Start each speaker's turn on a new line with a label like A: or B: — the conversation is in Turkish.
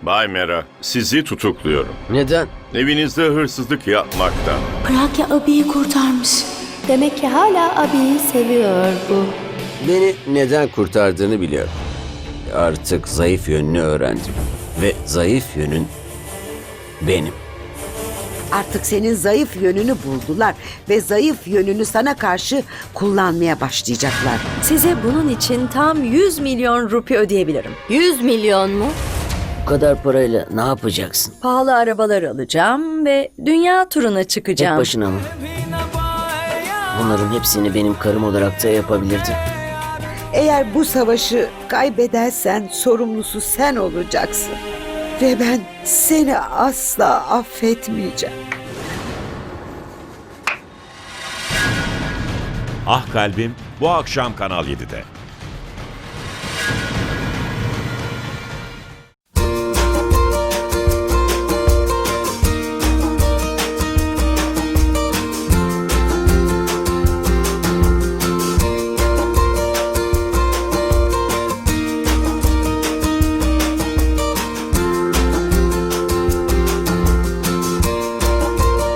A: Bay Mera, sizi tutukluyorum.
B: Neden?
A: Evinizde hırsızlık yapmaktan.
C: Pragya abiyi kurtarmış. Demek ki hala abiyi seviyor bu.
B: Beni neden kurtardığını biliyorum. Artık zayıf yönünü öğrendim. Ve zayıf yönün benim.
D: Artık senin zayıf yönünü buldular ve zayıf yönünü sana karşı kullanmaya başlayacaklar.
E: Size bunun için tam 100 milyon rupi ödeyebilirim.
C: 100 milyon mu?
B: Bu kadar parayla ne yapacaksın?
E: Pahalı arabalar alacağım ve dünya turuna
B: Tek
E: çıkacağım.
B: başına mı? Bunların hepsini benim karım olarak da yapabilirdin.
D: Eğer bu savaşı kaybedersen sorumlusu sen olacaksın. Ve ben seni asla affetmeyeceğim.
F: Ah Kalbim bu akşam Kanal 7'de.